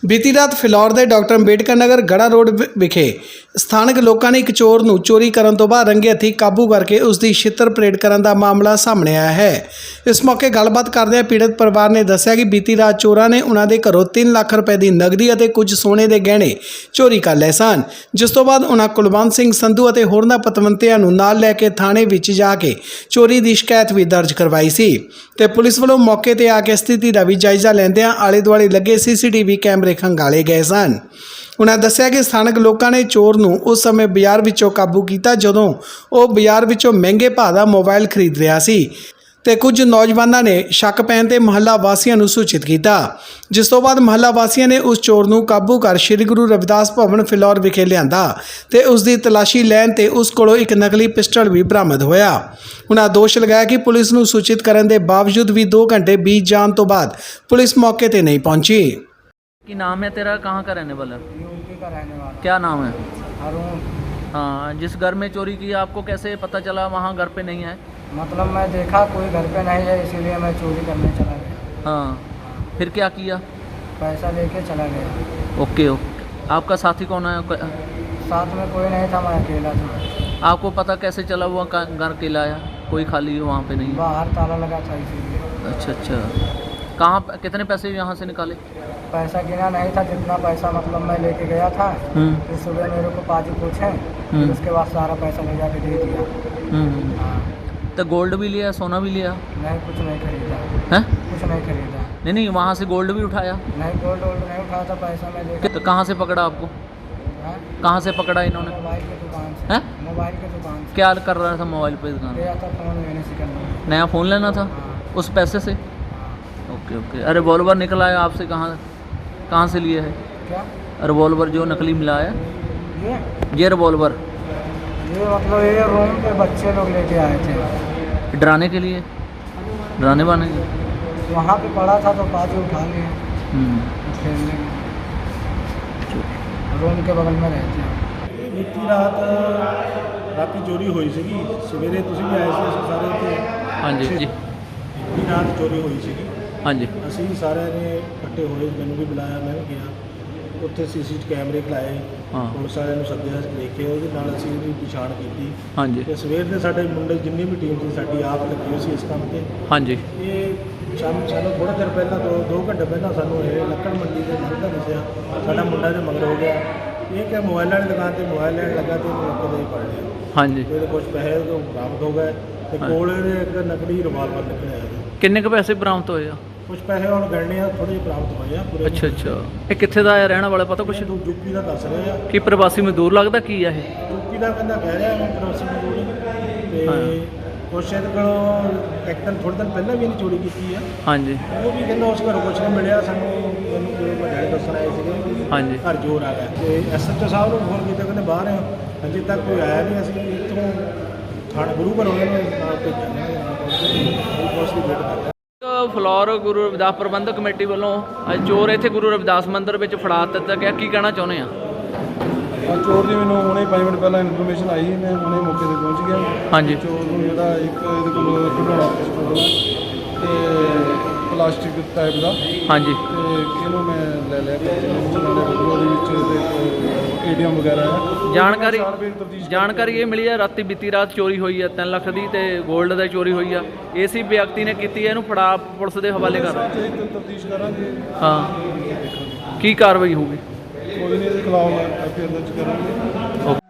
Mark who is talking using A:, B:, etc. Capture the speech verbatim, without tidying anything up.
A: ਬੀਤੀ ਰਾਤ ਫਿਲੌਰ ਦੇ ਡਾਕਟਰ ਅੰਬੇਡਕਰ ਨਗਰ ਗੜਾ ਰੋਡ ਵਿ- ਵਿਖੇ ਸਥਾਨਕ ਲੋਕਾਂ ਨੇ ਇੱਕ ਚੋਰ ਨੂੰ ਚੋਰੀ ਕਰਨ ਤੋਂ ਬਾਅਦ ਰੰਗੇ ਹੱਥੀਂ ਕਾਬੂ ਕਰਕੇ ਉਸ ਦੀ ਛਿੱਤਰ ਪਰੇਡ ਕਰਨ ਦਾ ਮਾਮਲਾ ਸਾਹਮਣੇ ਆਇਆ ਹੈ। ਇਸ ਮੌਕੇ ਗੱਲਬਾਤ ਕਰਦਿਆਂ ਪੀੜਤ ਪਰਿਵਾਰ ਨੇ ਦੱਸਿਆ ਕਿ ਬੀਤੀ ਰਾਤ ਚੋਰਾਂ ਨੇ ਉਹਨਾਂ ਦੇ ਘਰੋਂ ਤਿੰਨ ਲੱਖ ਰੁਪਏ ਦੀ ਨਗਦੀ ਅਤੇ ਕੁਝ ਸੋਨੇ ਦੇ ਗਹਿਣੇ ਚੋਰੀ ਕਰ ਲਏ ਸਨ, ਜਿਸ ਤੋਂ ਬਾਅਦ ਉਹਨਾਂ ਕੁਲਵੰਤ ਸਿੰਘ ਸੰਧੂ ਅਤੇ ਹੋਰਨਾਂ ਪਤਵੰਤਿਆਂ ਨੂੰ ਨਾਲ ਲੈ ਕੇ ਥਾਣੇ ਵਿੱਚ ਜਾ ਕੇ ਚੋਰੀ ਦੀ ਸ਼ਿਕਾਇਤ ਵੀ ਦਰਜ ਕਰਵਾਈ ਸੀ ਤੇ ਪੁਲਿਸ ਵੱਲੋਂ ਮੌਕੇ ਤੇ ਆ ਕੇ ਸਥਿਤੀ ਦਾ ਵੀ ਜਾਇਜ਼ਾ ਲੈਂਦਿਆਂ ਆਲੇ ਦੁਆਲੇ ਲੱਗੇ ਸੀਸੀਟੀਵੀ ਕੈਮਰੇ ਖੰਗਾਲੇ ਗਏ ਸਨ। ਉਹਨਾਂ ਦੱਸਿਆ ਕਿ ਸਥਾਨਕ ਲੋਕਾਂ ਨੇ ਚੋਰ ਨੂੰ ਉਸ ਸਮੇਂ ਬਾਜ਼ਾਰ ਵਿੱਚੋਂ ਕਾਬੂ ਕੀਤਾ ਜਦੋਂ ਉਹ ਬਾਜ਼ਾਰ ਵਿੱਚੋਂ ਮਹਿੰਗੇ ਭਾਅ ਦਾ ਮੋਬਾਈਲ ਖਰੀਦ ਰਿਹਾ ਸੀ ਤੇ ਕੁਝ ਨੌਜਵਾਨਾਂ ਨੇ ਸ਼ੱਕ ਪੈਣ ਤੇ ਮੁਹੱਲਾ ਵਾਸੀਆਂ ਨੂੰ ਸੂਚਿਤ ਕੀਤਾ, ਜਿਸ ਤੋਂ ਬਾਅਦ ਮੁਹੱਲਾ ਵਾਸੀਆਂ ਨੇ ਉਸ ਚੋਰ ਨੂੰ ਕਾਬੂ ਕਰ ਸ੍ਰੀ ਗੁਰੂ ਰਵਿਦਾਸ ਭਵਨ ਫਿਲੌਰ ਵਿਖੇ ਲਿਆਂਦਾ ਤੇ ਉਸ ਦੀ ਤਲਾਸ਼ੀ ਲੈਣ ਤੇ ਉਸ ਕੋਲੋਂ ਇੱਕ ਨਕਲੀ ਪਿਸਟਲ ਵੀ ਬਰਾਮਦ ਹੋਇਆ। ਉਹਨਾਂ ਦੋਸ਼ ਲਗਾਇਆ ਕਿ ਪੁਲਿਸ ਨੂੰ ਸੂਚਿਤ ਕਰਨ ਦੇ ਬਾਵਜੂਦ ਵੀ दो घंटे बीत जाने तो बाद पुलिस मौके पर नहीं पहुंची।
B: कि नाम है तेरा, कहाँ का रहने वाला?
C: यूपी का रहने वाला।
B: क्या नाम है?
C: अरुण।
B: हाँ, जिस घर में चोरी की आपको कैसे पता चला वहाँ घर पे नहीं है?
C: मतलब मैं देखा कोई घर पे नहीं है, इसीलिए मैं चोरी करने चला गया।
B: हाँ, फिर क्या किया?
C: पैसा लेके चला गया।
B: Okay okay. आपका साथी कौन है?
C: साथ में कोई नहीं था, मैं अकेला था।
B: आपको पता कैसे चला वो घर अकेला आया, कोई खाली वहाँ पे नहीं?
C: बाहर ताला लगा था इसीलिए।
B: अच्छा अच्छा। कहाँ कितने पैसे यहाँ से निकाले?
C: पैसा गिना नहीं था, जितना पैसा मतलब मैं लेके गया था फिर सुबह मेरे को पाजी पूछे, फिर उसके बाद सारा पैसा ले जाके दे दिया। हाँ।
B: तो गोल्ड भी लिया, सोना भी लिया?
C: नहीं, कुछ नहीं खरीदा
B: है?
C: कुछ नहीं खरीदा।
B: नहीं नहीं, वहाँ से गोल्ड भी उठाया?
C: नहीं, गोल्ड वोल्ड नहीं उठाया था, पैसा मैं लेके।
B: तो कहाँ से पकड़ा आपको?
C: हाँ?
B: कहाँ से पकड़ा इन्होंने?
C: मोबाइल की दुकान से।
B: हैं?
C: मोबाइल की दुकान से।
B: क्या कर रहा था मोबाइल पे दुकान?
C: गया था फ़ोन लेने से करना।
B: नया फ़ोन लेना था उस पैसे से? Okay okay. अरे रिवॉल्वर निकला है आपसे, कहाँ कहाँ से लिए है?
C: क्या
B: रिवॉल्वर जो नकली मिला है?
C: ये
B: ये रिवॉल्वर
C: ये मतलब ये रूम पे बच्चे लोग लेके आए थे
B: डराने के लिए, डराने वाने के?
C: वहाँ पे पड़ा था तो पाजी उठा लिए
B: हम्म,
C: खेलने में। रूम के बगल में रहते हैं।
D: ਇਹ ਬੀਤੀ ਰਾਤ ਰਾਤੀ ਚੋਰੀ ਹੋਈ ਸੀਗੀ। ਸਵੇਰੇ ਤੁਸੀਂ ਵੀ ਆਏ ਸੀ, ਅਸੀਂ ਸਾਰੇ ਉੱਥੇ।
B: हाँ जी जी।
D: ਬੀਤੀ ਰਾਤ ਚੋਰੀ ਹੋਈ ਸੀਗੀ।
B: हाँ जी
D: ਅਸੀਂ ਸਾਰਿਆਂ ਨੇ ਇਕੱਠੇ ਹੋਏ, ਮੈਨੂੰ ਵੀ ਬੁਲਾਇਆ, ਮੈਂ ਵੀ ਗਿਆ ਉੱਥੇ। ਸੀਸੀ ਕੈਮਰੇ ਖਲਾਏ,
B: हाँ
D: ਪੁਲਿਸ ਵਾਲਿਆਂ ਨੂੰ ਸੱਦਿਆ, ਦੇਖੇ, ਉਹਦੇ ਨਾਲ ਅਸੀਂ ਇਹਦੀ ਪਛਾਣ ਕੀਤੀ
B: हाँ जी
D: ਤੇ ਸਵੇਰ ਦੇ ਸਾਡੇ ਮੁੰਡੇ ਜਿੰਨੀ ਵੀ ਟੀਮ ਸੀ ਸਾਡੀ ਆਪ ਲੱਗੀ ਹੋਈ ਸੀ ਇਸ ਕੰਮ ਤੇ।
B: हाँ ਜੀ।
D: ਇਹ ਸਾਨੂੰ ਸਾਨੂੰ ਥੋੜ੍ਹਾ ਚਿਰ ਪਹਿਲਾਂ ਦੋ ਦੋ ਘੰਟੇ ਪਹਿਲਾਂ ਸਾਨੂੰ ਇਹ ਲੱਕੜ ਮੰਡੀ ਦੇ ਲੰਘਦਾ ਦੱਸਿਆ, ਸਾਡਾ ਮੁੰਡਾ ਦੇ ਮਗਰ ਹੋ ਗਿਆ। ਇਹ ਕਿ ਮੋਬਾਈਲਾਂ ਦੀ ਦੁਕਾਨ ਤੇ ਮੋਬਾਈਲ ਲੈਣ ਲੱਗਾ ਤੇ ਇਹਨੂੰ ਮੌਕੇ ਤੇ ਹੀ ਫੜ ਲਿਆ।
B: हाँ जी।
D: ਇਹਦੇ ਕੁਝ ਪੈਸੇ ਤੋਂ ਬਰਾਮਦ ਹੋ ਗਏ ਤੇ ਕੋਲ ਇਹਦੇ ਇੱਕ ਨਕਲੀ ਰਿਵਾਲਵਰ ਨਿਕਲਿਆ ਜੀ।
B: किन्ने के पैसे बरामद होए?
D: ਕੁਝ ਪੈਸੇ ਹੁਣ ਗਣਨੇ ਆ, ਥੋੜ੍ਹੇ ਜਿਹੇ ਪ੍ਰਾਪਤ ਹੋਏ ਆ ਪੂਰੇ।
B: अच्छा अच्छा। ये कित्थे दा है रहने वाला, पता कुछ?
D: ਤੂੰ ਯੂਪੀ ਦਾ ਦੱਸ ਰਿਹਾ ਆ।
B: कि प्रवासी मजदूर लगता की है ये?
D: ਯੂਪੀ ਦਾ ਕਹਿੰਦਾ ਕਹਿ ਰਿਹਾ ਮੈਂ ਪ੍ਰਵਾਸੀ ਮਜ਼ਦੂਰ ਤੇ ਕੁਛ ਇਹਦੇ ਕੋਲੋਂ ਇੱਕ ਦਿਨ ਥੋੜ੍ਹੇ ਦਿਨ ਪਹਿਲਾਂ ਵੀ ਇਹਨੇ ਚੋਰੀ ਕੀਤੀ ਆ।
B: हाँ जी
D: ਉਹ ਵੀ ਕਹਿੰਦਾ ਉਸ ਘਰੋਂ ਕੁਛ ਨਹੀਂ ਮਿਲਿਆ ਸਾਨੂੰ। ਮੈਨੂੰ ਕੋਈ ਵੱਡੇ ਦੱਸਣ ਆਏ ਸੀਗੇ
B: हाँ जी।
D: ਘਰ ਜੋਰ ਆ ਗਿਆ ਤੇ ਐਸ ਐਚ ਓ ਸਾਹਿਬ ਨੂੰ ਫੋਨ ਕੀਤਾ, ਕਹਿੰਦੇ ਬਾਹਰ ਆ, ਅਜੇ ਤੱਕ ਕੋਈ ਆਇਆ ਨਹੀਂ। ਅਸੀਂ ਇੱਥੋਂ ਥਾਣੇ ਗੁਰੂ ਘਰ ਉਹਨਾਂ ਨੂੰ ਨਾਲ ਭੇਜਾਂਗੇ, ਪੁਲਿਸ ਦੀ ਵੇਟ ਕਰਦੇ।
B: ਫਲੋਰ ਗੁਰੂ ਰਵਿਦਾਸ ਪ੍ਰਬੰਧਕ ਕਮੇਟੀ ਵੱਲੋਂ ਅੱਜ ਚੋਰ ਇੱਥੇ ਗੁਰੂ ਰਵਿਦਾਸ ਮੰਦਿਰ ਵਿੱਚ ਫੜਾ ਦਿੱਤਾ ਗਿਆ, ਕੀ ਕਹਿਣਾ ਚਾਹੁੰਦੇ ਆ?
E: ਆ ਚੋਰ ਦੀ ਮੈਨੂੰ ਹੁਣੇ ਪੰਜ ਮਿੰਟ ਪਹਿਲਾਂ ਇਨਫੋਰਮੇਸ਼ਨ ਆਈ, ਮੈਂ ਹੁਣੇ ਮੌਕੇ ਤੇ ਪਹੁੰਚ ਗਿਆ।
B: ਹਾਂਜੀ।
E: ਚੋਰ ਨੂੰ ਜਿਹੜਾ ਇੱਕ ਇਹਦੇ ਕੋਲ ਖਿਡੌਣਾ ਪਿਸਤੌਲ ਹੈ ਤੇ ਪਲਾਸਟਿਕ ਟਾਈਪ ਦਾ,
B: ਹਾਂਜੀ
E: ਤੇ ਇਹਨੂੰ ਮੈਂ ਲੈ ਲਿਆ ਕਬਜ਼ੇ ਵਿੱਚ। ਨਾਲੇ ਉਹਦੇ ਵਿੱਚ ਇਹਦੇ ਏਡੀਐਮ ਵਗੈਰਾ ਹੈ।
B: ਜਾਣਕਾਰੀ
E: ਚਾਰ ਵਾਰ ਤਫਤੀਸ਼
B: ਜਾਣਕਾਰੀ ਇਹ ਮਿਲੀ ਹੈ ਰਾਤੀ ਬੀਤੀ ਰਾਤ ਚੋਰੀ ਹੋਈ ਹੈ ਤਿੰਨ ਲੱਖ ਦੀ ਤੇ 골ਡ ਦਾ ਚੋਰੀ ਹੋਈ ਆ। ਇਸੇ ਵਿਅਕਤੀ ਨੇ ਕੀਤੀ ਹੈ, ਇਹਨੂੰ ਫੜਾ ਪੁਲਿਸ ਦੇ ਹਵਾਲੇ ਕਰ।
E: ਤਫਤੀਸ਼ ਕਰਾਂਗੇ।
B: ਹਾਂ, ਕੀ ਕਾਰਵਾਈ ਹੋਊਗੀ?
E: ਕੋਈ ਨਹੀਂ, ਇਹਦੇ ਖਿਲਾਫ ਐਫ ਆਈ ਆਰ ਦਰਜ ਕਰਾਂਗੇ।